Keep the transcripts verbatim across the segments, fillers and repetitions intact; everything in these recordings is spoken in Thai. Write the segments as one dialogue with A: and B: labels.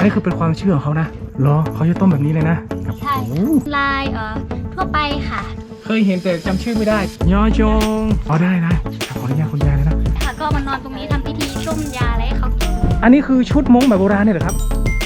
A: อันนี้คือเป็นความเชื่อของเขานะเหรอเขาจะต้มแบบนี้เลยนะ
B: ใช่ลายเอ่อทั่วไปค่ะ
A: เคยเห็นแต่จำชื่อไม่ได้ยอจงอ๋อได้นะขออนุญาตคุณยายเลยนะ
B: ค่ะก็มานอนตรงนี้ทำพิธีต้มยาอะไรให้เขากิน
A: อันนี้คือชุดม้งแบบโบราณเนี่ยเหรอครับ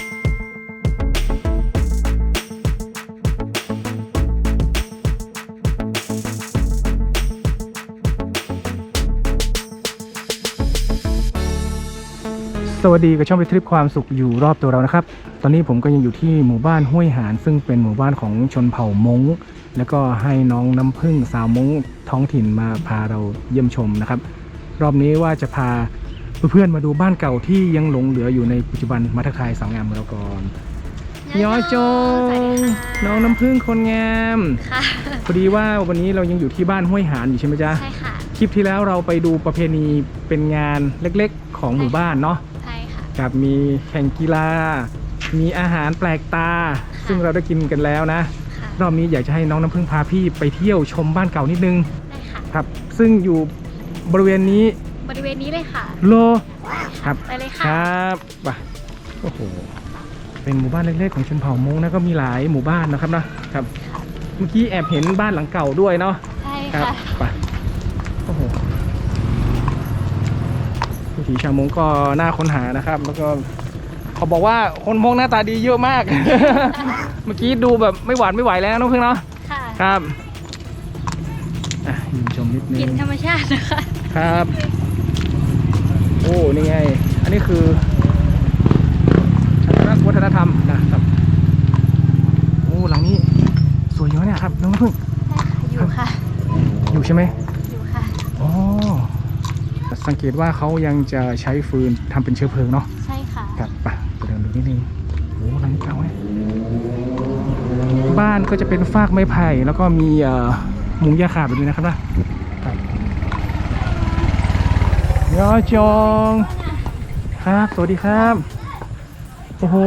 A: สวัสดีกับช่องไปทริปความสุขอยู่รอบตัวเรานะครับตอนนี้ผมก็ยังอยู่ที่หมู่บ้านห้วยหานซึ่งเป็นหมู่บ้านของชนเผ่าม้งแล้วก็ให้น้องน้ำผึ้งสาวม้งท้องถิ่นมาพาเราเยี่ยมชมนะครับรอบนี้ว่าจะพาเพื่อนๆมาดูบ้านเก่าที่ยังหลงเหลืออยู่ในปัจจุบันมาทักทายสาวงามของเราก่อนยอจงน้องน้ำผึ้งคนงาม
B: ค่ะ
A: พอดีว่าวันนี้เรายังอยู่ที่บ้านห้วยหานอยู่ใช่ไหมจ๊ะ
B: ใช่ค่ะ
A: คลิปที่แล้วเราไปดูประเพณีเป็นงานเล็กๆของหมู่บ้านเนาะกับมีแข่งกีฬามีอาหารแปลกตาซึ่งเราได้กินกันแล้วนะรอบนี้อยากจะให้น้องน้ำพึ่งพาพี่ไปเที่ยวชมบ้านเก่านิดนึง
B: ได้ค่ะ
A: ครับซึ่งอยู่บริเวณนี้
B: บริเวณนี้เลยค่ะ
A: โลครับ
B: ไปเลยค่ะ
A: ครับไปโอ้โหเป็นหมู่บ้านเล็กๆของชนเผ่ามงนะก็มีหลายหมู่บ้านนะครับนะครับเมื่อกี้แอบเห็นบ้านหลังเก่าด้วยเนาะ
B: ใช่ค่ะ
A: ไปโอ้โหวิถีชาวมงก็น่าค้นหานะครับแล้วก็เขาบอกว่าคนมงหน้าตาดีเยอะมาก เมื่อกี้ดูแบบไม่หวานไม่ไหวแล้วน้องเพิ่งเนาะครับอ่ะยืนชมนิดนึง
B: กินธรรมชาตินะคะ
A: ครับโอ้นี่ไงอันนี้คือวัฒนธรรมนะครับโอ้หลังนี้สวยเยอะเนี่ยครับน้องเพิ่ง
B: อยู่ค่ะ
A: อยู่ใช่ไหม
B: อยู่ค่ะ
A: อ๋อสังเกตว่าเขายังจะใช้ฟืนทำเป็นเชื้อเพลิงเนาะ
B: ใช่ค่ะ
A: ครับไปไปเดินดูนิดนึงโอ้หลังเก่าเนี่ยบ้านก็จะเป็นฟากไม้ไผ่แล้วก็มีมุงหญ้าคาแบบนี้นะครับนะครับยอจงครับสวัสดีครับโอ้โห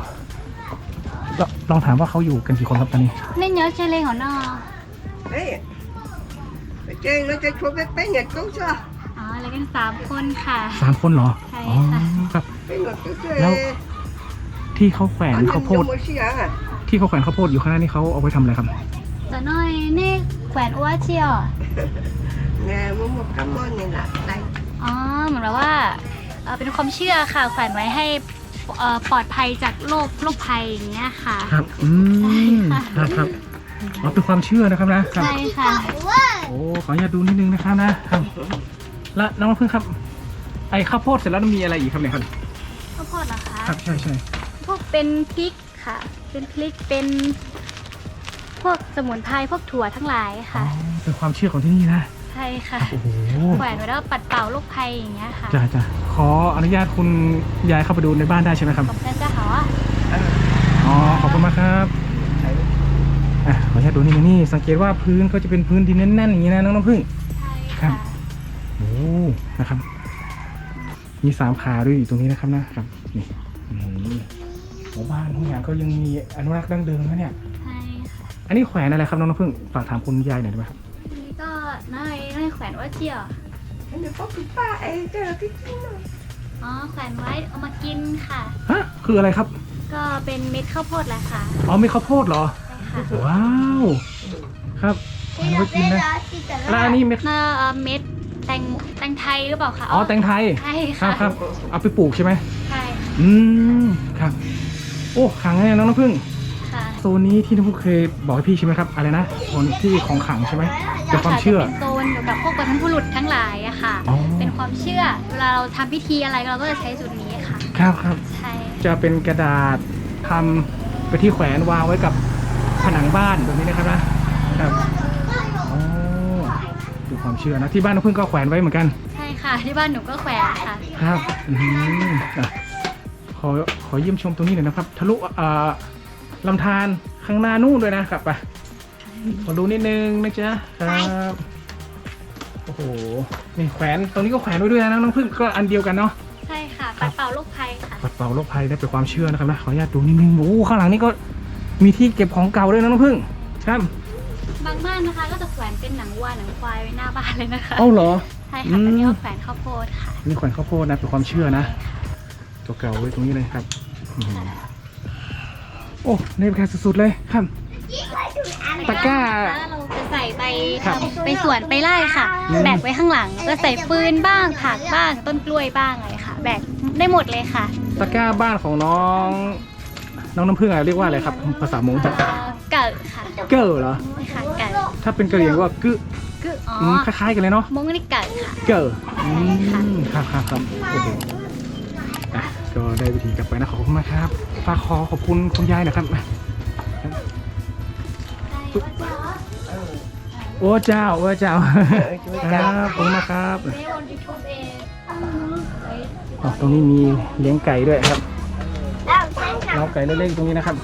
A: ลองถามว่าเขาอยู่กันกี่คนครับตอนนี้
B: เน่นเยอะเจเลงหัวนอ
C: เฮ้ยเจงเราจะชวนไปไปเหยียดกุ้งใช่
B: อ๋ออะไรกันสามคนค่ะ
A: สามคนเหรอ
B: ใช่ค่ะ
A: ครับแล้วที่เขาแขวนข้าวโพดที่เขาแขวนข้าวโพดอยู่ข้างหน้านี่เขาเอาไว้ทำอะไรครับ
B: จะน้อยนี่แขวนอ้วเชียว
C: แง่มุมมุมกำมอนนี่แหละไร
B: อ๋อเหมือนว่าเป็นความเชื่อค่ะแขวนไว้ให้ปลอดภัยจากโรคโรคภัยอย่างเงี้ยค่ะ
A: ครับอืมครับครับอ๋อเป็นความเชื่อนะครับนะ
B: ใช่ค่ะ
A: โอ้ขออนุญาตดูนิดนึงนะครับนะครับแล้วน้องพึ่งครับไอ้ข้าวโพดเสร็จแล้วมีอะไรอีกครับเนี่ยครับ
B: ข้าวโพดเหรอคะ
A: ครับใช่ใช่
B: พวกเป็นพริกค่ะเป็นพริกเป็นพวกสมุนไพรพวกถั่วทั้งหลายค่ะ
A: เป็นความเชื่อของที่นี่นะ
B: ใช่ค่ะแขวนไว้แล้วปัดเป่าโรคภัยอย่างเงี้ยค่ะ
A: จ้าจ้าขออนุญาตคุณยายเข้าไปดูในบ้านได้ใช่ไหมครับ
B: ขอบคุณจ้าค่ะ
A: อ๋อขอบคุณมากครับอ่ะขออนุญาตดูนี่นี่สังเกตว่าพื้นก็จะเป็นพื้นดินแน่นๆอย่างนี้นะน้องน้ำผึ้ง
B: ใช่ค่ะ
A: โอ้นะครับมีสามขาด้วยอยู่ตรงนี้นะครับนะครับนี่หมู่บ้านทุกอย่างก็ยังมีอนุรักษ์ดั้งเดิมนะเนี่ย
B: ใช่ค่ะ
A: อันนี้แขวนอะไรครับน้องน้ำผึ้งฝากถามคุณยายหน่อยได้ไหมครับ
B: นี่ก็น้อยน้อยแขวนว่าเจียว
C: เดี๋ยวพ่อคุณป้าเองเจอที่กินหน่อย
B: อ๋อแขวนไว้เอามากินค่ะ
A: ฮะคืออะไรครับ
B: ก็เป็นเม็ดข้าวโพดแหละค่ะ
A: อ๋อเม็ดข้าวโพดเหรอ
B: ใช่ค่ะ
A: ว้าวครับเอาไว้กินนะแล้วอันนี้เม็ด
B: เม็ดแตงแตงไทยหรือเปล่าคะ
A: อ๋อแตงไทย
B: ใช่
A: ค่ะครับเอาไปปลูกใช่ไหม
B: ใช่
A: อืมครับโอ้ขังไงน้องน้ำผึ้งโซนนี้ที่น้องเคยบอกให้พี่ใช่ไหมครับอะไรนะโซนที่ของขังใช่ไหมเป็นความเชื่อ
B: เป็นโซนเกี่ยวกับพวกบรรพบุรุษทั้งหลายอะค่ะเป็นความเชื่อเวลาเราทำพิธีอะไรเราก็จะใช้สูตรนี้ค่ะ
A: ครับครับ
B: ใช่
A: จะเป็นกระดาษทำไปที่แขวนวางไว้กับผนังบ้านแบบนี้นะครับนะครับโอ้ดูความเชื่อนะที่บ้านน้องพึ่งก็แขวนไว้เหมือนกัน
B: ใช่ค่ะที่บ้านหนูก็แขวนค่ะ
A: ครับอืมขอขอเยี่ยมชมตรงนี้หน่อยนะครับทะลุลำธารข้างหน้านู่นด้วยนะครับไปขอดูนิดนึงนะจ๊ะครับโอ้โหนี่แขวนตรงนี้ก็แขวนไว้ด้วยนะน้องพึ่งก็อันเดียวกันเนาะ
B: ใช่ค่ะปัดเป่าโรคภัยค่ะ
A: ปัดเป่าโรคภัยได้เป็นความเชื่อนะครับนะขออนุญาตดูนิดนึงโอ้ข้างหลังนี่ก็มีที่เก็บของเก่าด้วยนะน้องพึ่งครับ
B: บางบ้านนะคะก็จะแขวนเป็นหนังวัวหนังควายไว้หน้าบ้านเลยนะคะ
A: เอ้าเหรอ
B: ใช่ค่ะอันนี้เขาแขวนข้าวโพดค่ะ
A: นี่แขวนข้าวโพดนะเป็นความเชื่อนะตัวเก่าไว้ตรงนี้เลยครับโอ้ในบรรยากาศสุดๆเลยครับตะกร้า
B: เราจะใส่ไป
A: ครับ
B: ไปสวนไปไร่ค่ะ
A: อืม
B: แบกไว้ข้างหลังก็ใส่ฟืนบ้างผักบ้างต้นกล้วยบ้างอะไรค่ะ แบกได้หมดเลยค่ะ
A: ตะกร้าบ้านของน้องน้องน้ำผึ้งอะไรเรียกว่าอะไรครับภาษามงจะ
B: เอ่อเกิดค่ะ
A: เกอร์เหรอ
B: ไม่ค่ะเกิด
A: ถ้าเป็นกะเหรี่ยงว่ากึ
B: คืออ๋อ
A: อืมคล้ายๆกันเลยเนาะ
B: มงนี่เกิดค่ะ
A: เกอร์อื
B: ค่ะ
A: มครับครับครับโอ้โหอ่ะก็ได้วิธีกลับไปนะขอบคุณมากครับฝากขอขอบคุณคุณยายนะครับโอ้เจ้าโอ้เจ้าครับขอบคุณมากครับ
B: ไม่ได้บนยูทูบเอง
A: อ๋อตรงนี้มีเลี้ยงไก่ด้วยครับเล้าไก่เล็กๆตรงนี้นะครับ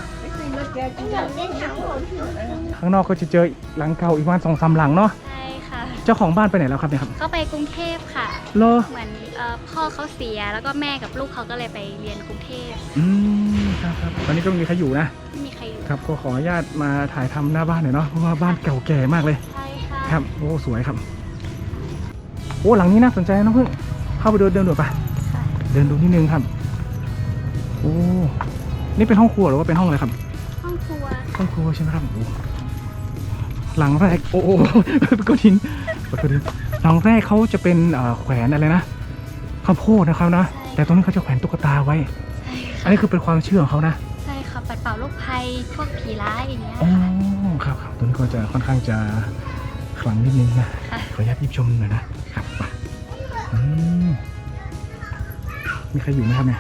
A: ข้างนอกก็จะเจอหลังเก่าอีกประมาณสองสามหลังเนาะ
B: ใช่ค่ะ
A: เจ้าของบ้านไปไหนแล้วครับเนี่ยครับ
B: เขาไปกรุงเทพค่ะ
A: เลอ
B: เหมือนเอ่อพ่อเขาเสียแล้วก็แม่กับลูกเขาก็เลยไปเรียนกรุงเทพ
A: อืมครับครับตอนนี้ก็ไม่มีใครอยู่นะ
B: ไม่มีใครอยู่
A: ครับก็ขออนุญาตมาถ่ายทำหน้าบ้านหน่อยเนาะเพราะว่าบ้านเก่าแก่มากเลย
B: ใช่ค่ะ
A: ครับโอ้สวยครับโอ้หลังนี้น่าสนใจนะน้องพึ่งเข้าไปเดินเดินดูปะ
B: ค่ะ
A: เดินดูนิดนึงครับโอ้นี่เป็นห้องครัวหรือว่าเป็นห้องอะไรครับ
B: ห้องครัว
A: ห้องครัวใช่ไหมครับโอ้หลังแรกโอ้โห เป็นก้อนหินเป็นก้อนหินหลังแรกเขาจะเป็นเอ่อแขวนอะไรนะข้าวโพดนะครับนะแต่ตรงนี้เขาจะแขวนตุ๊กตาไว้
B: ใช่
A: อันนี้คือเป็นความเชื่อของเขานะ
B: ใช่ค่ะปัดเป่าโรคภัยพวกผีร้ายอย่างเงี้ย
A: อ๋อ
B: ค่ะ
A: ครับครับตรงนี้ก็จะค่อนข้างจะขลังนิดนึงนะ
B: ค่ะ
A: ขออนุญาตยิบชมหน่อยนะครับมาอืมมีใครอยู่ไหมครับเนี่ย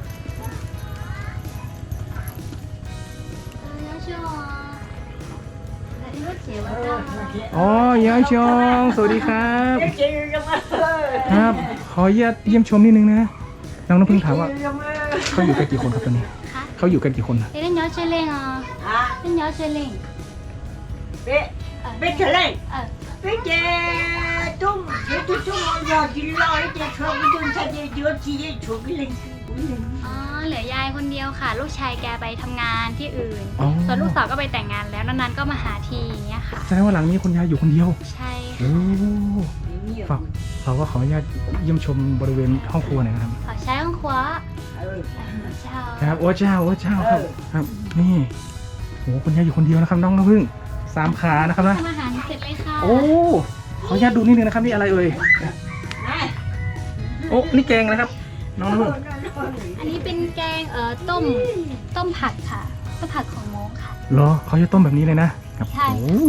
A: อ๋อยายชองสวัสดีครับ ครับ ขออนุญาตเยี่ยมชมนิดนึงนะน้องน้ำพึ่งถามว่าเขาอยู่กันกี่คนครับตอนนี้
B: ค่ะ
A: เขาอยู่กันกี่คนนะ
B: เล่นย้อนเชลเลงอ่ะเล่นย้อนเชลเลง
C: Bé, bé trở lên.
B: เออ
C: Bé chè tung, bé tung tung giờ chỉ lo cái chè cho cái tung sa chè chưa chỉ để cho cái linh.
B: อ๋อเหลือยายคนเดียวค่ะ ลูกชายแกไปทำงานที่อื่น
A: อ๋อ
B: ส่วนลูกสาวก็ไปแต่งงานแล้วนานๆก็มาหาทีอย่างเงี้ยค่ะ
A: แสดงว่าหลังนี้คุณยายอยู่คนเดียว
B: ใช่
A: โอ้ฝากเราก็ขออนุญาตเยี่ยมชมบริเวณห้องครัวหน่อยนะครับ
B: ขอใช้ห้องครัว
C: Ừ.
B: เจ้า
A: ครับโอ้เจ้าโอ้เจ้าครับครับนี่โอ้คุณยายอยู่คนเดียวนะครับน้องน้ำพึ่งสามขานะครับนะ
B: ทำอาหารเสร็จเลยค่ะ
A: โอ้ขออนุญาตดูนิดนึงนะครับนี่อะไรเอ่ย
C: Này.
A: โอ้นี่แกงนะครับ น้องน้ำพึ่ง
B: อันนี้เป็นแกงเอ่อต้มต้มผักค่ะต้มผักของโมงค่ะ
A: เหรอเขาจะต้มแบบนี้เลยนะครับ
B: ใช่
A: โอ้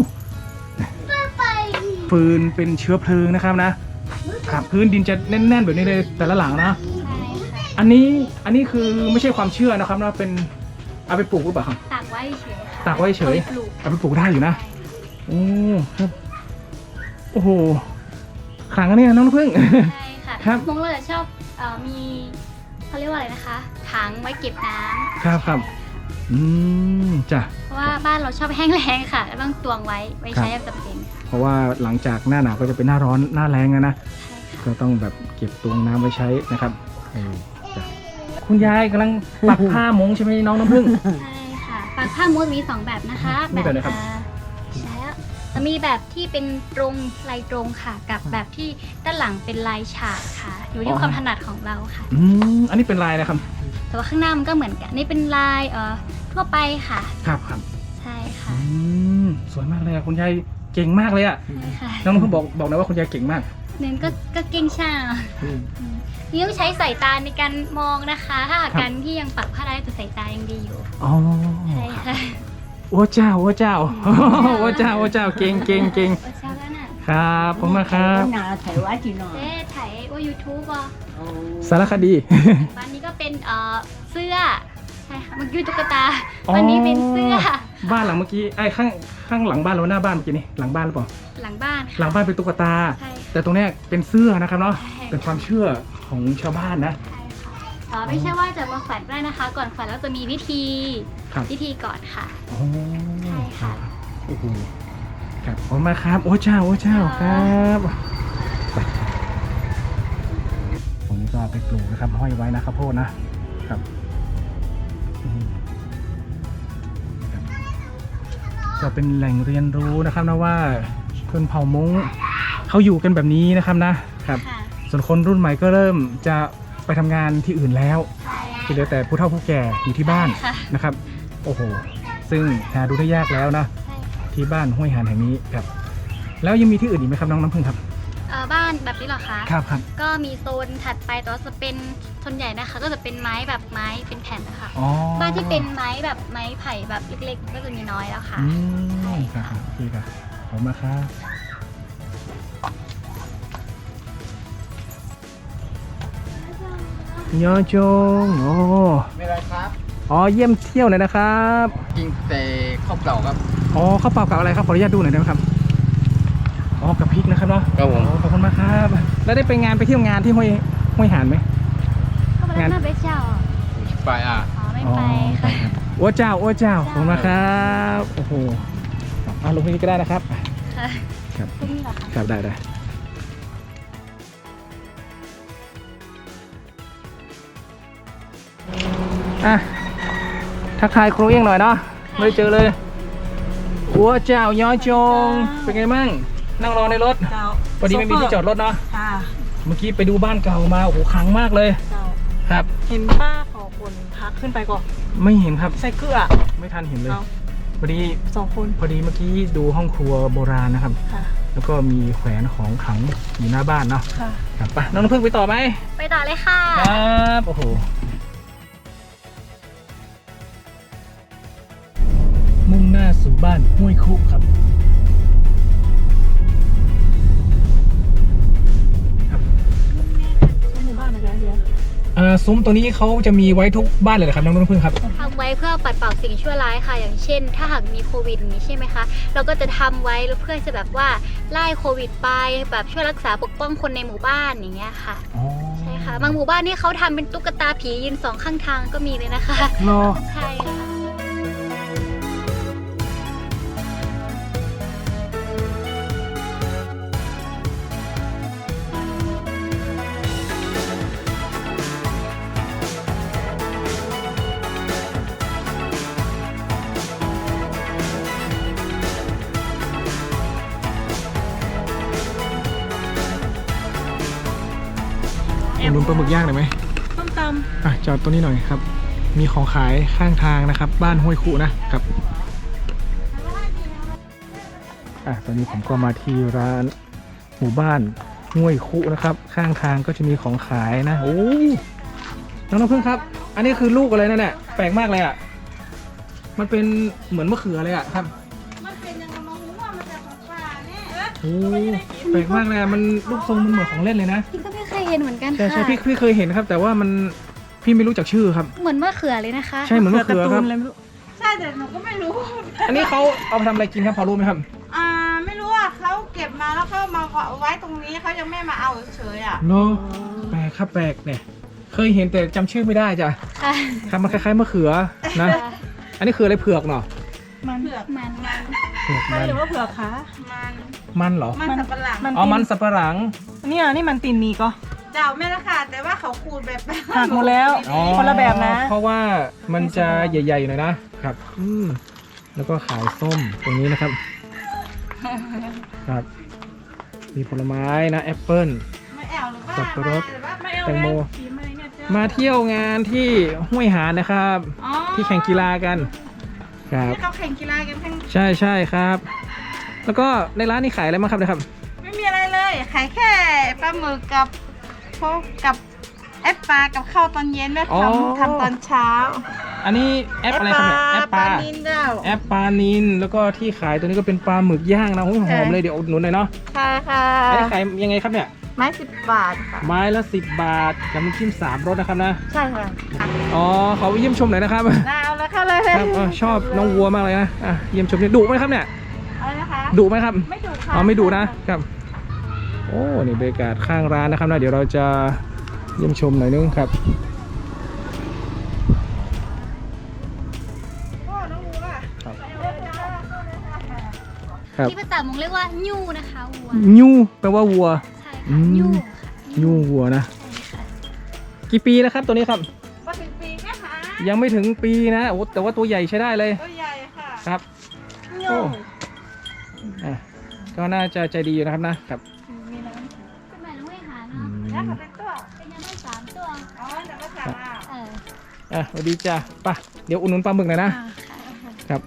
A: ฟืนเป็นเชื้อเพลิงนะครับนะ ครับพื้นดินจะแน่นๆแบบนี้เลยแต่ละหลังนะ
B: ใช่ค่ะ
A: อันนี้อันนี้คือไม่ใช่ความเชื่อนะครับนะเป็นเอาไปปลูกหรือเปล่าครับ
B: ตากไว้เฉยค่ะ
A: ตากไว้เฉย
B: อาไปปลูก
A: เอาไปปลูกได้อยู่นะ โอ้ครับโอ้โหขลังอันนี้น้องน้ำพึ่ง
B: ใช่ค่ะ
A: ครับ
B: มงเราจะชอบเอ่อมีเขาเรียกว่าอะไรนะคะถังไว้เก็บน้ำ
A: ครับครับอืมจ้ะ
B: เพราะว่าบ้านเราชอบแห้งแล้งค่ะก็ต้องตวงไว้ไว้ใช้ยามจำเป็นค่ะ
A: เพราะว่าหลังจากหน้าหนาวก็จะเป็นหน้าร้อนหน้าแล้งอะนะ
B: ใช่ค่ะ
A: ก็ต้องแบบเก็บตวงน้ำไว้ใช้นะครับเออจ้ะคุณยายกำลังปักผ้ามงใช่ไหมน้องน้ำพึ่ง
B: ใช่ค่ะปากผ้ามุ้งมีสองแบบนะคะ
A: มีแบบไหนครับ
B: อ่าใช่แล้วจะมีแบบที่เป็นตรงลายตรงค่ะ กับแบบที่ด้านหลังเป็นลายฉากค่ะ อยู่ที่ความถนัดของเราค่ะ
A: อืมอันนี้เป็นลายนะครับ
B: แต่ว่าข้างหน้ามันก็เหมือนกันนี่เป็นลายเอ่อทั่วไปค่ะ
A: ครับครับ
B: ใช่
A: อื
B: ค่ะ
A: มสวยมากเลยอะคุณยายเก่งมากเลยอะ
B: ใช่ค่ะ
A: น้องน้ำพึ่งบอกบอกนะว่าคุณยายเก่งมาก
B: เน้นก็ก็เก่งช่างนี่ต้องใช้สายตาในการมองนะคะ ถ้าหากการที่ยังปักผ้าได้แต่สายตายังดีอยู่
A: อ๋อ
B: ใช่ค่ะ
A: โอ้เจ้าโอ้เจ้า โอ้เจ้าโอ้เจ้าเก่งเก่งเก่ง
B: โอ้เช้าแล้วน่ะ
A: ครับผมมากครับ
C: Cái nào thầy quá chị nói.
B: เจ๊ถ่ายว่า YouTube อ่ะ
C: Ồ.
A: สารคดี
B: บ้านนี้ก็เป็นเอ่อเสื้อใช่ค่ะเมื่อกี้ตุ๊กตา
A: อ๋อ
B: วันนี้เป็นเสื้อ
A: บ้านหลังเมื่อกี้ไอ้ข้างข้างหลังบ้านหรือว่าหน้าบ้านเมื่อกี้นี่หลังบ้านหรือเปล่า
B: หลังบ้าน
A: หลั
B: ค่ะ
A: งบ้านเป็นตุ๊กตา
B: ใช่ค่ะ
A: แต่ตรงเนี้ยเป็นเสื้อนะครับเนาะ
B: ใช่
A: เป็นความเชื่อของชาวบ้านนะ
B: ใช่ค่ะเอ่อไม่ใช่ว่าจะมาแขวนได้นะคะ ก่อนแขวนแล้วจะมีพิธี
A: ครับ
B: พิธีก่อนค่ะ
A: โอ้
B: ใช่ค่ะ
A: โอ้โหครับขอบคุณมากครับโอ้เจ้าโอ้เจ้าครับไปตรงนี้ก็ไปปลูกนะครับห้อยไว้นะครับโพดนะครับอืมครับก็เป็นแหล่งเรียนรู้นะครับนะว่าชนเผ่ามงเขาอยู่กันแบบนี้นะครับนะครับ
B: ค่ะ
A: ส่วนคนรุ่นใหม่ก็เริ่มจะไปทำงานที่อื่นแล้ว
B: ใช่
A: ที่เหลือแต่ผู้เฒ่าผู้แก่อยู่ที่บ้าน
B: ค่ะ
A: นะครับโอ้โหซึ่งหาดูได้ยากแล้วนะ
B: ใช่ค่ะ
A: ที่บ้านห้วยหานแห่งนี้ครับแล้วยังมีที่อื่นอีกไหมครับน้องน้ำพึ่งครับ
B: เอ่อบ้านแบบนี้เหรอคะ
A: ครับครับ
B: ก็มีโซนถัดไปแต่ว่าจะเป็นส่วนใหญ่นะคะ ก็จะเป็นไม้แบบไม้เป็นแผ่นนะคะ
A: อ๋อ
B: บ้านที่เป็นไม้แบบไม้ไผ่แบบเล็กๆ ก็จะมีน้อยแล้วค่ะ
A: อืมครับครับโอเคครับขอบคุณมากครับยอจงโอ้
D: ไม่ไรครับ
A: อ๋อเยี่ยมเที่ยวหน่อยนะครับ
D: กินแต่ข้าวเปล่าครับ
A: อ๋อข้าวเปล่ากับอะไรครับขออนุญาตดูหน่อยได้ไหมครับอ๋อกับพริกนะครับเนาะ
D: ครับผม
A: อ๋อขอบคุณมากครับแล้วได้ไปงานไปเที่ยวงานที่ห้วยห้วยหานไหม
B: เข้าไปแล้วหน้าเบสเจ้าอ่ะ
D: ไปอ่ะ
B: อ๋อไม่ไปค่ะ
A: โอ้เจ้าโอ้เจ้าขอบคุณมากครับโอ้โหอ่ะลงที่นี่ก็ได้นะครับ
B: ค่ะ
A: ครับ
B: ที่นี่เหรอคะ
A: ครับได้ได้อ่ะทักทายครูเอี้ยงหน่อยเนาะไม่ได้เจอเลยอัวเจ้ายอจงเป็นไงมั่งนั่งรอในรถ
C: เจ้า
A: พอดีไม่มีที่จอดรถเนาะ
C: ค่ะ
A: เมื่อกี้ไปดูบ้านเก่ามาโอ้โหขลังมากเลย
C: เจ้า
A: ครับ
C: เห็นป้าขอคนพักขึ้นไปก่อน
A: ไม่เห็นครับ
C: ใส่เกลือ
A: ไม่ทันเห็นเลย
C: เอา
A: พอดี
C: สองคน
A: พอดีเมื่อกี้ดูห้องครัวโบราณนะครับ
C: ค่ะ
A: แล้วก็มีแขวนของขลังอยู่หน้าบ้านเนาะ
C: ค่ะ
A: ครับไปน้องน้ำพึ่งไปต่อไหม
B: ไปต่อเลยค่ะ
A: ครับโอ้โหมุ่งหน้าสู่บ้านห้วยคุครับ
C: หมู่บ้านอะไรเฮีย
A: อ่าซุ้มตัวนี้เขาจะมีไว้ทุกบ้านเลยเหรอครับน้องน้ำพึ่งครับ
B: ทำไว้เพื่อปัดเป่าสิ่งชั่วร้ายค่ะ อย่างเช่น ถ้าหากมีโควิดอย่างนี้ใช่ไหมคะ เราก็จะทำไว้เพื่อจะแบบว่าไล่โควิดไปแบบช่วยรักษาปกป้องคนในหมู่บ้านอย่างเงี้ยค่ะ
A: อ๋อ
B: ใช่ค่ะ บางหมู่บ้านนี่เขาทำเป็นตุ๊กตาผียืนสองข้างทางก็มีเลยนะคะ
A: รอ
B: ใช่ค่ะ
A: อุดหนุนปลาหมึกย่างหน่อยไหม
C: ต้มต
A: อ่ะจอดตัวนี้หน่อยครับ มีของขายข้างทางนะครับ บ้านห้วยคุนะครับอ่ะตอนนี้ผมก็มาที่ร้านหมู่บ้านห้วยคุนะครับ ข้างทางก็จะมีของขายนะโอ้น้องน้ำพึ่งครับ อันนี้คือลูกอะไรนั่นเนี่ยแปลกมากเลยอ่ะมันเป็นเหมือนมะเขือเลยอ่ะครับ
C: ำมันเป็นยังไงมองว่ามันจะของปลาเนี่ย
A: โอ้แปลกมากเลยอะมันรูปทรงมันเหมือนของเล่นเลยนะ
B: พี่ก็ไม่เคยเห็นเหมือนกัน
A: ใช่ใช่
B: ค่ะ
A: พี่พี่เคยเห็นครับ แต่ว่ามันพี่ไม่รู้จักชื่อครับ
B: เหมือนมะเขือเลยนะคะ
A: ใช่เหมือนมะเขือครับ
C: อะไรไม่รู้ใช่แต่หนูก็ไม่รู้
A: อันนี้เขาเอาไปทำอะไรกินครับพอรู้ไหมครับ
C: อ่าไม่รู้อ่ะเขาเก็บมาแล้วเขามาไว้ตรงนี้เขายังไม่มาเอาเฉยๆอ่ะ
A: เนาะแปลกครับแปลกเนี่ย เคยเห็นแต่จำชื่อไม่ได้จ้ะ
B: ค่ะ
A: ครับมันคล้ายๆมะเขือนะ อันนี้คืออะไรเผือกเนาะ
C: มันเผือก
B: มันมัน
A: เผือก
C: มั
A: มัน น
C: หรือว่าเผือกคะมัน
A: มันเหรอ
C: มันสับปะหลัง
A: อ๋อมันสับปะหลัง
E: เนี่ยนี่มันตีนมีก็
C: เจ้าแม่ละค่ะแต่ว่าเขาขูดแบบ
E: หักหมดแล้ว
A: อ๋อ
E: คนละแบบนะ
A: เพราะว่ามันจะใหญ่ๆหน่อยนะครับอืมแล้วก็ขายส้มตรงนี้นะครับ ครับมีผลไม้นะแอปเปิ้ล
C: ไม่แอวหรือว่า
A: สับปะรด
C: ไม่เอา
A: แตงโม
C: สีไม้เนี่ยเจ้า
A: มาเที่ยวงานที่ห้วยหาญนะครับ
C: อ๋อ
A: ที่แข่งกีฬากันครับ
C: ที่เขาแข่งกีฬากันทั้ง
A: ใช่ใช่ครับ แล้วก็ในร้านนี้ขายอะไรบ้างครับเนะครับ
C: ไม่มีอะไรเลยขายแค่ปลาหมึกกับพวกกับแอปปลากับข้าวตอนเย็นแม่
A: อ๋อ
C: ทำทำตอนเช้า
A: อันนี้แอปอะไรครับเนี่ยแอปปลา
C: นินเจ้า
A: แอปปลานินแล้วก็ที่ขายตัวนี้ก็เป็นปลาหมึกย่างนะโอ้ยหอมเลยเดี๋ยวอุดหนุนหน่อยเนาะ
C: ใช่ค่ะ
A: อันนี้ขายยังไงครับเนี่ย
C: ไม้สิบบาทค่ะ
A: ไม้ละสิบบาทกับน้ำจิ้มสามรสนะครับนะ
C: ใช่ค่ะ
A: อ๋อเขาเยี่ยมชมหน่อยนะครับ
C: น่าเอาแล้วค่ะเลย
A: ครับอ๋อชอบน้องวัวมากเลยนะอ่ะเยี่ยมชมเนี่ยดุไหมครับเนี่ย
C: อะไรนะคะ
A: ดุไหมครับ
C: ไม่ดุค่ะ
A: อ๋อไม่ดุนะครับ โอ้นี่บรรยากาศข้างร้านนะครับนะเดี๋ยวเราจะเยี่ยมชมหน่อยนึงครับ
C: พ่อน้องวัว
A: ครับ
C: ไปเอาเลยจ้าเข้าเลยค่ะ
A: ครับ
B: ที่ภาษามงเรียกว่าญูนะคะวัว
A: ยูแปลว่าวัว
B: ใช่
A: อื
B: ค่ะ
A: ม
B: ญู
A: ยูวัวนะ
B: ใช่ค่ะ
A: กี่ปีแล้วครับตัวนี้ครับ
C: มาถึงปีแม่หา
A: ยังไม่ถึงปีนะโอ้แต่ว่าตัวใหญ่ใช้ได้เลย
C: ตัวใหญ่ค่ะ
A: ครับ
C: โย
A: โอ้ อ่ะก็น่าจะใจดีอยู่นะครับนะครับ
C: มีน้
B: เป็นแบบน้องไม่หา
A: อื
B: เนาะ
C: ำแล้ว
A: ม
C: เขาเป็นตัว
B: เป็นยังไม่สามตัว
C: อ๋อแต่ก็สั่งอ่ะ
B: เออ
A: อ่ะสวัสดีจ้ะไป่ะเดี๋ยวอุ่นนุนปลาหมึกหน่อยนะ
B: อ่าค่ะ
A: ครับ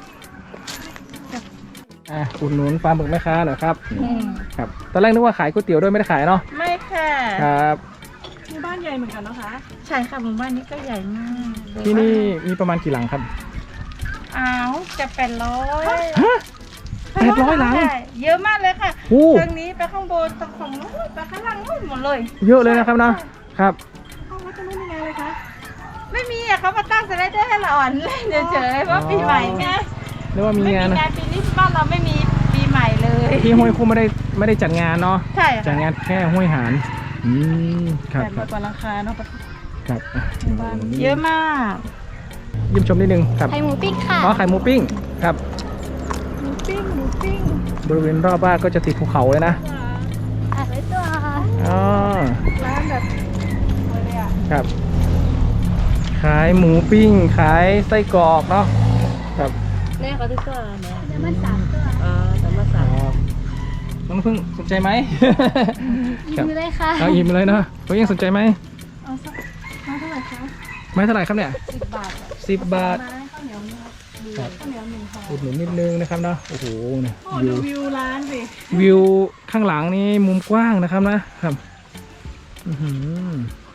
A: อ่ะอุดหนุนปลาหมึกแม่ค้าหน่อยครับครับตอนแรกนึกว่าขายก๋วยเตี๋ยวด้วยไม่ได้ขายเนาะ
E: ไม่ค่ะ
A: ครับ
E: หมู่บ้านใหญ่เหมือนกันนะคะ ใช่ค่ะหมู่บ้านนี้ก็ใหญ่มาก
A: ที่นี่มีประมาณกี่หลังครับ
E: อ้าวจะแปดร้อย
A: ฮะแปดร้อยหลัง
E: เยอะมากเลยค่ะ
A: โอ้
E: ทางนี้ไปข้างบนตรงของนู้นไปข้างล่างนู้นหมดเลย
A: เยอะเลยนะครับเนาะครับ
E: ห้องวัดตรงนู้นยังไงเลยคะไม่มีอะเขามาตั้งสไลเดอร์ให้เราอ่อนเล่นเฉยๆเพราะปีใหม่ไง
A: เรียกว่ามี
E: ไม่
A: งาน
E: มี
A: นะ
E: งานปีนี้บ้านเราไม่มีปีใหม่เลย
A: ที่ห้วยคู่ไม่ได้ไม่ได้จัดงานเนาะ
E: ใช่
A: จัด
E: ค่ะ
A: งานแค่ห้วยหารอืมครับ
E: แปด
A: ค
E: ร้
A: รั
E: อบ ยกว่าราคาเนาะ
A: ครับอ่ะ
E: บ้านเยอะมาก
A: เยิ้มชมนิดนึงครับ
B: ไข่หมูปิ้งค่ะ
A: อ๋อไข่หมูปิ้งครับ
E: หมูปิ้งหมูปิ้ง
A: บริเวณรอบบ้านก็จะติดภูเขาเลยนะ
B: ถ่ายไว้ตัว
A: อ๋อ
E: ร้านแบบสวยเลยอ่ะ
A: ครับ ขายหมูปิ้ง ขายไส้กรอกเนาะครับ
E: แม่เขาที่ตัวเนี่ย
B: เดี๋ยวมันสามตัว
E: อ่าแต่มา
A: ค
E: สั่ง
A: รับน้องพึ่งสนใจไหม
B: ยิ
A: ครับ
B: งเลยค่ะ
A: เอาอิ่มเลยเนาะเขายังสนใจไหม
E: เอาสักมาเท่าไหร่คะ
A: ไม้เท่าไหร่ครับเนี่ย
E: สิบบาทอะ
A: สิบบาท
E: มาให้ข้าวเหนียวหนึ่ง
A: ครับ
E: ข้าวเหนียวหนึ่งห่อ
A: อุดหนุนนิดนึงนะครับเนาะโอ้โหเนี่ย
E: โอ้
A: วิ
E: ดู
A: ว
E: วิวร้านสิ
A: วิวข้างหลังนี่มุมกว้างนะครับนะครับอื้อหือ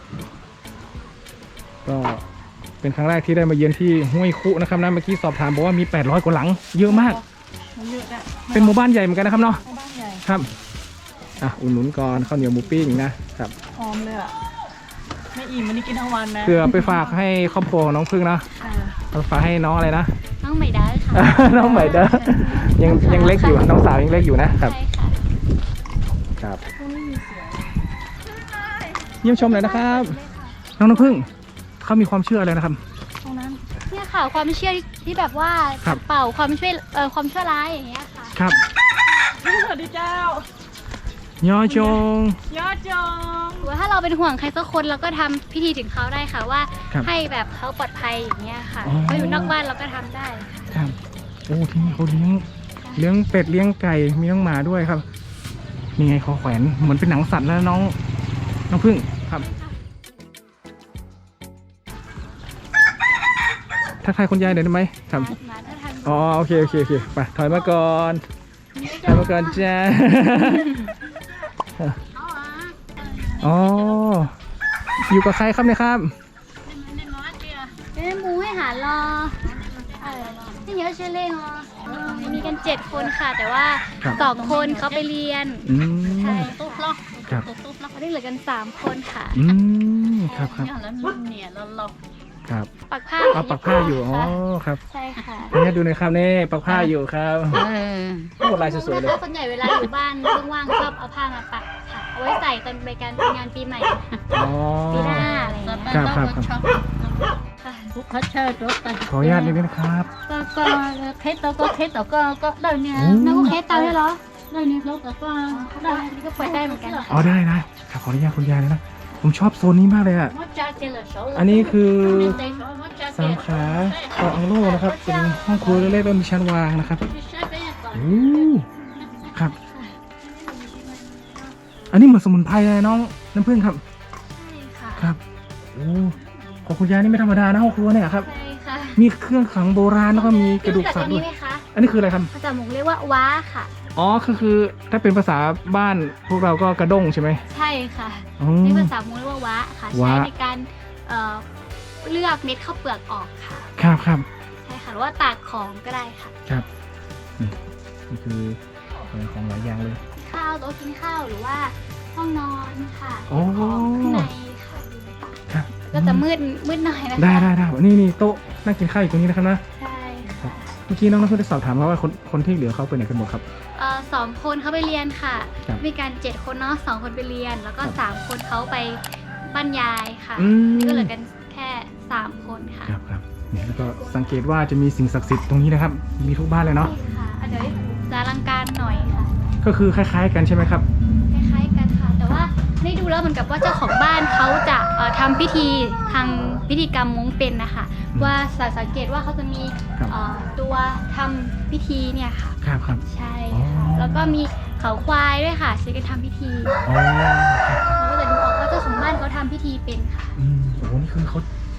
A: ก็เป็นครั้งแรกที่ได้มาเยือนที่ห้วยคุนะครับนะเมื่อกี้สอบถามบอกว่ามีแปดร้อยกว่าหลังเยอะมาก
E: มันเยอะอะ
A: เป็นหมู่บ้านใหญ่เหมือนกันนะครับเนาะ
E: บ้านใหญ่
A: ครับอ่ะอุ่นหนุนก่อนข้าวเหนียวหมูปิ้งนะครับ
E: หอมเลยอ่ะไม่อิ่มวันนี้กินทั้งวันนะ
A: เพื่อไปฝากให้ครอบครัวของน้องพึ่งนะ
E: อ่า
A: เอาฝากให้น้องอะไรนะ
B: น้องใหม่ได้ค่ะ
A: น้องใหม่เด้อยังยังเล็กอยู่น้องสาวยังเล็กอยู่นะครับ
B: ใช่ค่ะ
A: ครับ
E: พวกนี้มีเสียง
A: เยี่ยมชมเลยนะครับ น้องน้ำพึ่งเขามีความเชื่ออะไรนะครับ
E: ตรงนั้น
B: เนี่ยค่ะความเชื่อที่แบบว่า
A: ครับ
B: เป่าความช่วยเอ่อความชั่วร้ายอย่างเงี้ยค่ะ
A: ครับ
E: สวัสดีเจ้าย
A: อจง
E: ยอดจง
B: หรือว่าถ้าเราเป็นห่วงใครสักคนเราก็ทำพิธีถึงเขาได้ค่ะว่า
A: ครับ
B: ให้แบบเขาปลอดภัยอย่างเงี้ยค่ะ
A: อ๋อ
B: เขาอยู่นอกบ้านเราก็ทำได้
A: ครับโอ้ที่นี่เขาเลี้ยงเลี้ยงเป็ดเลี้ยงไก่มีน้องหมาด้วยครับนี่ไงเขาแขวนเหมือนเป็นหนังสัตว์แล้วน้องน้องพึ่งครับทักทายคุณยายหน่อยได้ไหมครับ
B: มาถ้าทัน
A: อ๋อโอเคโอเคโอเคไปถอยมาก่อนถอยมาก่อนจ้าอ๋ออยู่กับใครครับเนี่ยครับ
B: เอ้ยหมูให้หารอเออที่เยอะเชื่อเล่งอ๋อมีกันเจ็ดคนค่ะ แต่ว่า
A: ครับ
B: สองคนเขาไปเรียน
A: อืม
B: ใช่ตุ๊บล็อก
A: ครับ
B: ตุ๊บล็อกเขาได้เหลือกันสามคนค่ะ
A: อืมครับครับ
E: แล้วเนี่ยเราเรา
A: ครับ
B: ปักผ้า
A: เอาปักผ้าอยู่อ๋อครับ
B: ใช่ค่ะ
A: นี่ดูหน่อยครับนี่ปักผ้าอยู่ครับโอ้ลายสวยๆเลย
B: นะคะส่วนใหญ่เวลาอยู่บ้านว่างๆชอบเอาผ้ามาปักค่ะ เอาไว้ใส่ตอนไปการงานปีใหม่
A: อ๋อ
B: ปีหน้าอะไรอย่างเงี้ย
A: ครับครับครับ
B: ค่ะ
E: เขาเชิญรถไป
A: ขออนุญาตนิดนึงนะครับ
E: ก็ก็เคสตัวก็เคสตัวก็ก็ได้เนี่ย
A: โอ้
B: น้องเคสเตาได้เหรอ
E: ได้เนี่ยรถแต่ก็
B: ได้นี่ก็เปิดได้เหมือนกัน
A: อ๋อได้นะครับขออนุญาตคุณยายเลยนะผมชอบโซนนี้มากเลยอ่ะ
E: มดจากเกลือโซ่
A: อันนี้คือ
E: มดจากเก
A: สา
E: ลื
A: ม
E: อ
A: ขาต่ออังโล่นะครับเป็นห้องครัวเล็กๆแล้วมีชั้นวางนะครับโอ้ครับ อันนี้เหมือนสมุนไพรเลยน้องน้ำผึ้งครับ
B: ใช่ค่ะ
A: ครับโอ้ของคุณยายนี่ไม่ธรรมดานะห้องครัวเนี่ยครับ
B: ใช่ค่ะ
A: มีเครื่องขังโบราณแล้วก็มีกระดูกสัตว์
B: รู้
A: ด้ว
B: จั
A: ย
B: กอันนี้ไหมคะ
A: อันนี้คืออะไรครับ
B: ภาษาหมงเรียกว่าว้าค่ะ
A: อ๋อคือคือถ้าเป็นภาษาบ้านพวกเราก็กระด้งใช่ไหม
B: ใช่ค่ะ
A: อ๋อ
B: นี่ภาษาหมงเรียกว่าว้าค่ะ
A: ว้า
B: ใช้ในการเอ่อเลือกเม็ดข้าวเปลือกออกค่ะ
A: ครับครับ
B: ใช่ค่ะ หรือว่าตากของก็ได้ค่ะ
A: ครับนี่นี่คือของหลายอย่างเลย
B: ข้าวโต๊ะกินข้าวหรือว่าห้องนอนค่ะ
A: โอ้
B: ของข้างในค่ะ
A: ครับ
B: ก็จะมืดมืดหน่อยนะคะ
A: ได้ได้ได้นี่นี่โต๊ะนั่งกินข้าวอยู่ตรงนี้นะครับนะ
B: ใช่ค่ะ
A: เมื่อกี้น้องน้ำพึ่งได้สอบถามมาว่าคนคนที่เหลือเขาไปไหนกันหมดครับ
B: เอ่อสองคนเขาไปเรียนค่ะ
A: ครับ
B: มีการเจ็ดคนเนาะสองคนไปเรียน แล้วก็
A: ครับ
B: สามคนเขาไปบรรยายค่ะ
A: อืม
B: นี่ก็เหลือกันแค่สามคนค่ะ
A: ครับครับเนี่ยแล้วก็สังเกตว่าจะมีสิ่งศักดิ์สิทธิ์ตรงนี้นะครับ มีทุกบ้านเลยเนาะ
B: นี่ค่ะอ่ะเดี๋ยวจะอลังการหน่อยค่ะ
A: ก็คือคล้าย ๆ กันใช่ไหมครับ
B: คล้ายๆกันค่ะ แต่ว่าได้ดูแล้วเหมือนกับว่าเจ้าของบ้านเขาจะเอ่อทำพิธีทางพิธีกรรมม้งเป็นนะคะ ว่าสังเกตว่าเขาจะมี
A: ครับ
B: เอ่อตัวทำพิธีเนี่ยค่ะ
A: ครับครับ
B: ใช่
A: อ๋อ
B: ค่ะ แล้วก็มีเขาควายด้วยค่ะใช้กันทำพิธี
A: อ๋อ
B: เราก็จะดูออกว่าเจ้าของบ้านเขาทำพิธีเป็นค่ะ
A: อืมโอ้โหนี่คือเขา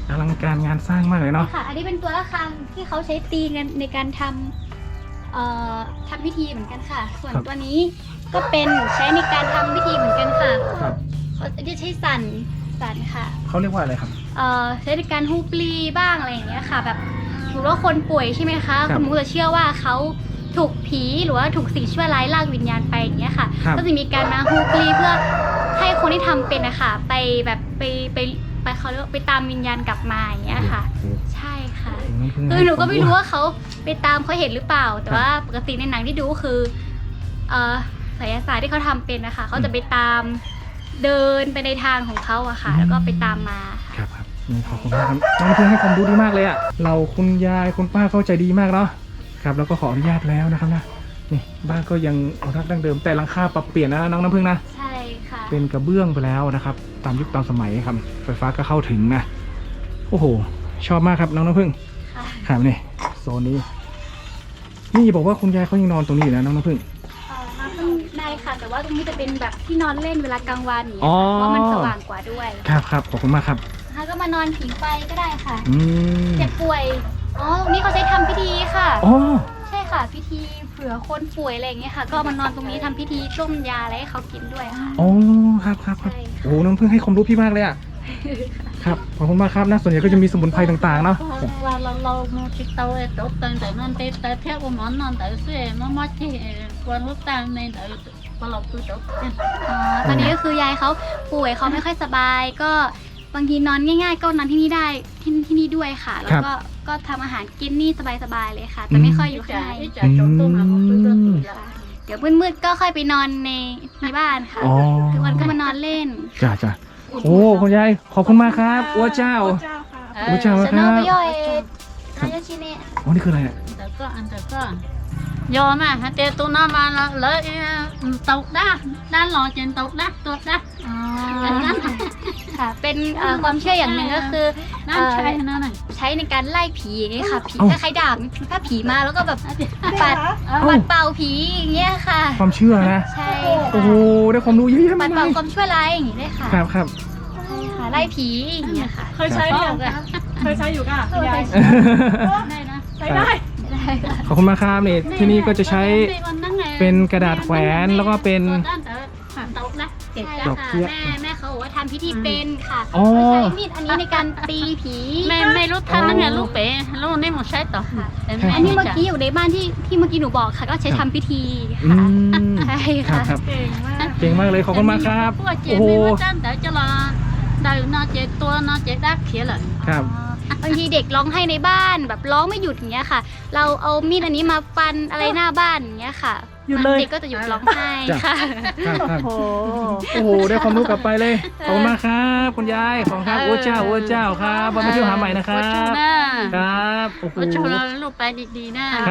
A: อลังการงานสร้างมากเลยเนาะ
B: ค่ะ อันนี้เป็นตัวระฆังที่เขาใช้ตีกันในการทำเอ่อทำพิธีเหมือนกันค่ะ ส่วนตัวนี้ก็เป็นใช้ในการทำพิธีเหมือนกันค่ะ
A: ครับ
B: เขาจะใช้สั่นสั่นค่ะ
A: เขาเรียกว่าอะไรครับ
B: เอ่อใช้ในการฮูปลีบ้างอะไรอย่างเงี้ยค่ะ แบบสมมติว่าคนป่วยใช่ไหมคะ
A: ครับ
B: คุณมุกจะเชื่อว่าเขาถูกผีหรือว่าถูกสิ่งชั่วร้ายลากวิญญาณไปอย่างเงี้ยค่ะ
A: ครับ
B: ก็จะมีการมาฮูปลีเพื่อให้คนที่ทำเป็นนะคะไปแบบไปไปไปเขาเรียกว่าไปตามวิญญาณกลับมาอย่างเงี้ยค่ะ
A: โอ้โห
B: ใช่ค่ะ
A: น้องพึ่ง
B: คือหนูก็ไม่รู้ว่าเขาไปตามเขาเห็นหรือเปล่า แต่ว่าปกติในหนังที่ดูก็คือเอ่อไสยศาสตร์ที่เขาทำเป็นนะคะเขาจะไปตามเดินไปในทางของเขาอะค่ะ แล้วก็ไปตามมาค่ะ
A: ครับครับนี่ขอบคุณมากครับน้องพึ่งให้ความรู้ดีมากเลยอะเราคุณยายคุณป้าเข้าใจดีมากเนาะครับแล้วก็ขออนุญาตแล้วนะครับนะนี่บ้านก็ยังอนุรักษ์ดั้งเดิมแต่หลังคาปรับเปลี่ยนนะน้องน้ำพึ่งนะ
B: ใช่ค่ะ
A: เป็นกระเบื้องไปแล้วนะครับ ตามยุคตามสมัยครับไฟฟ้าก็เข้าถึงนะโอ้โหชอบมากครับน้องน้ำพึ่ง
B: ค่ะ
A: ครับนี่โซนนี้นี่บอกว่าคุณยายเขายังนอนตรงนี้อยู่นะน้องน้ำพึ่ง
B: เอ่อมาข้างในค่ะ แต่ว่าตรงนี้จะเป็นแบบที่นอนเล่นเวลากลางวันอย่าง
A: อ๋
B: เงี้ย
A: อ
B: ค่ะเพราะมันสว่างกว่าด้วย
A: ครับครับขอบคุณมากครับ
B: แล้วก็มานอนผิงไฟก็ได้ค่ะ
A: อืม
B: เจ็บป่วยอ๋อตรงนี้เขาใช้ทำพิธีค่ะ
A: อ๋อ
B: ใช่ค่ะ พิธีเผื่อคนป่วยอะไรอย่างเงี้ยค่ะ ก็มานอนตรงนี้ทำพิธีต้มยาอะไรให้เขากินด้วยค่ะ
A: อ๋อครับครับครับ
B: ใช่ค่ะ
A: โอ้โหน้องพึ่งให้ความรู้พี่มากเลยอะครับขอบคุณมากครับนะส่วนใหญ่ก็จะมีสมุนไพรต่างๆเนาะ
E: ว่าเราเรามาติดเตาไอ้ตบตังแต่มันติดแต่เที่ยวกับมันนอนแต่เสียมันมาที่วันลูกตังในแต่พอเราคือตบ
B: อ๋อตอนนี้ก็คือยายเขาป่วยเขาไม่ค่อยสบาย ก็บางทีนอนง่าย ๆ ก็นอนที่นี่ได้ที่ที่นี่ด้วยค่ะ แล้วก็ก็ทำอาหารกินนี่สบายๆเลยค่ะ แต่ไม่ค่อยอยู่ข้างใน
E: จะจบตัวมาคือตัวตัวละ
B: ค่ะเดี๋ยวมืดๆก็ค่อยไปนอนในในบ้านค่ะ
A: อ๋อ
B: ทุกวันก็มานอนเล่น
A: จ้าจ้าโอ้คุณยายขอบคุณมากครับอ้วเจ้า อ้วเจ้า
B: ส
A: ค
B: โน
A: รับ
B: ไปย่อยนายชิเนะ
A: อ๋อนี่คืออะไรอะ
E: แต่ก็อันแต่ก็ยอมอ่ะฮะเตตัวน้ามาแล้วเลยตกได้ด้านหล่อเจนตกได้ตัวได้
B: อ๋อค่ะ เป็นเอ่อความเชื่ออย่างหนึ่งก็คือ
E: นั่นใช่นั่นน่ะ
B: ใช้ในการไล่ผีอย่างเงี้ยค่ะ ผีคล้ายๆดาบถ้าผีมาแล้วก็แบบปัดปัดเป่าผีอย่างเงี้ยค่ะ
A: ความเชื่อนะ
B: ใช่
A: โอ้
B: ค่ะ
A: โหได้ความรู้เยอะแยะ
B: ปั
A: มา
B: ด
A: ก
B: เป่า
A: เลย
B: ความชั่วร้ายอย่างงี้ด้วยค่ะ
A: ครับครับ
B: ใช่ค่ะ ไล่ผีอย่างเงี้ยค่ะ
E: เคยใช้ยังเคยใช้อยู่ค่ะคุณยายได้นะ
B: ใช้ได้ได้ค่ะ
A: ขอบคุณมากครับนี่ที่นี่ก็จะใช้เป็นกระดาษแขวนแล้วก็เป็น
B: ใช่
A: ดอก
B: ค่ะ
A: เบี้ย
B: แม่แม่เขาบอกว่าทำพิธีเป็นค่ะ
A: อ๋อ
B: ใช้มีดอันนี้ในการตีผี
E: ไม่ไม่รู้ทันนั่นไงลูกเป๋ลูกนี่หมดใช้ต่อ
B: อันนี้เมื่อกี้อยู่ในบ้านที่ที่เมื่อกี้หนูบอกค่ะ ก็ใช้ทำพิธี
A: อื
B: ค่ะ
A: ม
B: ใช่
A: ครับ
B: ค่ะ
A: ครับเก่งมากเลยขอบคุณมากครับ
E: พวกเจ็
A: โอ้
E: บ
A: โห
E: ไม่ว่าจ้าแต่จะรอได้นอเจ็บตัวนอเจ็บดักเขียเลย
A: ครับ
B: อ๋อบางทีเด็กร้องให้ในบ้านแบบร้องไม่หยุดอย่างเงี้ยค่ะ เราเอามีดอันนี้มาฟันอะไรหน้าบ้านอย่างเงี้ยค่ะ
A: หยุดเลย
B: เด็กก็จะหยุดร้องไห้
A: จ้ะ
B: ค่ะ
A: ครับครับโอ้โหได้ความรู้กลับไปเลยขอบคุณมากครับคุณยายขอบคุณครับโอ้เจ้าโอ้เจ้าครับมาเที่ยวหาใหม่นะครับ
E: ว่าชูนะครับ
A: โอ้โห
E: ว่าชูเราลูกไปดีๆนะครับ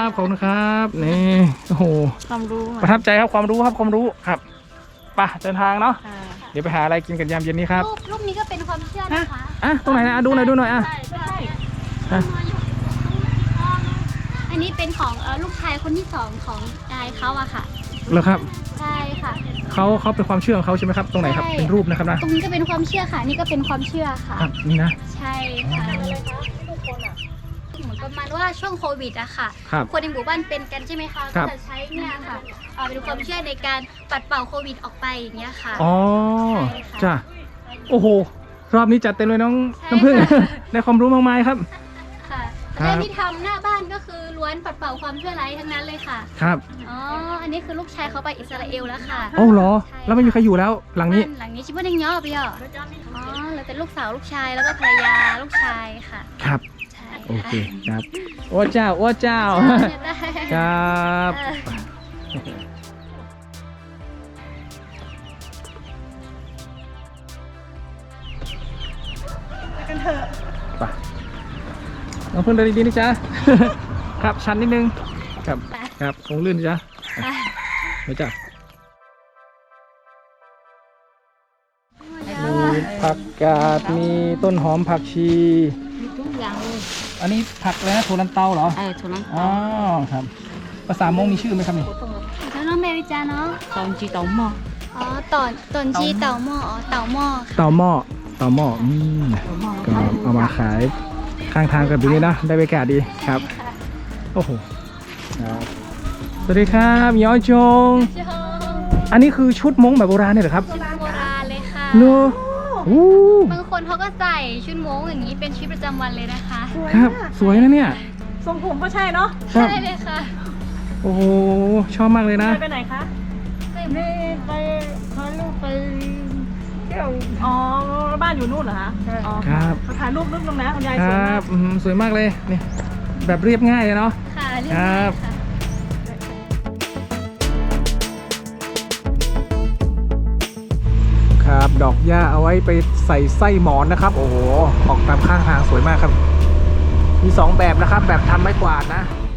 A: ขอบคุณครับนี่โอ้โห
E: ความรู้
A: ประทับใจครับความรู้ครับความรู้ครับไปเดินทางเนาะเดี๋ยวไปหาอะไรกินกันยามเย็นนี้ครับ
B: รูปรูปนี้ก็เป็นความเชื่อนะคะ
A: อ่ะตรงไหนนะอ่ะดูหน่อยดูหน่อยอ่ะ
E: ใช่ใช่
A: อ่ะ
B: อันนี้เป็นของเอ่อลูกชายคนที่สองของยายเขาอะค่ะ
A: เหรอครับ
B: ใช่ค่ะ
A: เขาเขาเป็นความเชื่อของเขาใช่ไหมครับตรงไหนครับ
B: ใช่
A: เป็นรูปนะครับนะ
B: ตรงนี้ก็เป็นความเชื่อค่ะ นี่ก็เป็นความเชื่อค่ะ
A: ครับนี่นะ
B: ใช่ค่ะเหมือนประมาณว่าช่วงโควิดอะค่ะ
A: ครับ
B: คนในหมู่บ้านเป็นกันใช่ไหมคะ
A: ครั
B: ก็
A: บ
B: จะใช้เนี่ยค่ะเอ่อเป็นความเชื่อในการปัดเป่าโควิดออกไปอย่างเงี้ยค่ะ
A: อ๋อ
B: ใช่ค่ะ
A: จ้ะโอ้โหรอบนี้จัดเต็มเลยน้อง
B: ใช่
A: น้ำผึ้ง
B: ค่ะ
A: ได้ความรู้มากมายครับ
B: ค่ะ
A: ครับ
B: และที่ทำหน้าบ้านก็คือล้วนปัดเป่าความชั่วร้ายทั้งนั้นเลยค่ะ
A: ครับ
B: อ๋อ อันนี้คือลูกชายเขาไปอิสราเอลแล้วค่ะ
A: โอ้เหรอ
B: ใช่
A: แล้วไม่มีใครอยู่แล้วหลังนี้
B: บ้าหลังนี้ชิบุนยังย่อไปย่ออ๋อแล้วเป็นลูกสาวลูกชายแล้วก็ภรรยาลูกชายค่ะ
A: ครับ
B: ใช่
A: โอเคครับโอ้เจ้าโอ้เจ้า
B: ได้
A: ครับ
B: เออ
A: ไปน้องพึ่งเดินดีๆนี่จ้า ครับชันนิดนึงครับครับคงลื่นจ้ะไปจ้ะมีผักกาดมีต้นหอมผักชี
E: มีทุกอย่างเลย
A: อันนี้ผักอะไรนะโทลันเตาเหรอ
E: เออทุลัง
A: อ๋อครับภาษามงมีชื่อไหมครับนี่
B: แล้วน้องเมวิจาเนาะ
E: ตอนจีตองหม้อ
B: อ๋อตอนตอนจีเต่าหม้ออ๋อเต่าหม้อค่ะ
A: เต่าหม้อต่อหม้ออืมก็เอามาขายข้างทางกันแบบนี้นะได้บรรยากาศดีครับโอ้โหครับสวัสดีครับย้อยจง
B: เจ้า
A: อันนี้คือชุดม้งแบบโบราณเนี่ยเหรอครับ
B: ชุดโบราณเลยค่ะ
A: เนอะอู้
B: บางคนเขาก็ใส่ชุดโม้งอย่างนี้เป็นชีวิตประจำวันเลยนะคะ
A: ครับสวยนะเนี่ย
F: ทรงผมก็ใช่เนาะ
A: ครับ
B: ใช่เลยค่ะ
A: โอ้โหชอบมากเลยนะ
F: ไปไปไหนคะ
C: นี่ไปพาลูกไปเที่ยว
F: อ๋อ บ้านอยู่นู่นเหรอคะอ๋อ
A: ครับ
F: ถ่ายรูปรูปนึงนะคุณยาย
A: ค
F: สวย
A: รั
F: มา
A: บ
F: ก
A: อืมสวยมากเลยนี่แบบเรียบง่ายเลยเนาะ
B: ค่ะเรียบ
A: ครั
B: ร้อย
A: บ
B: ค่ะ
A: ครับดอกหญ้าเอาไว้ไปใส่ไส้หมอนนะครับ โอ้โหออกตามข้างทางสวยมากครับ มีสองแบบนะครับ แบบทำไม้กวาดนะ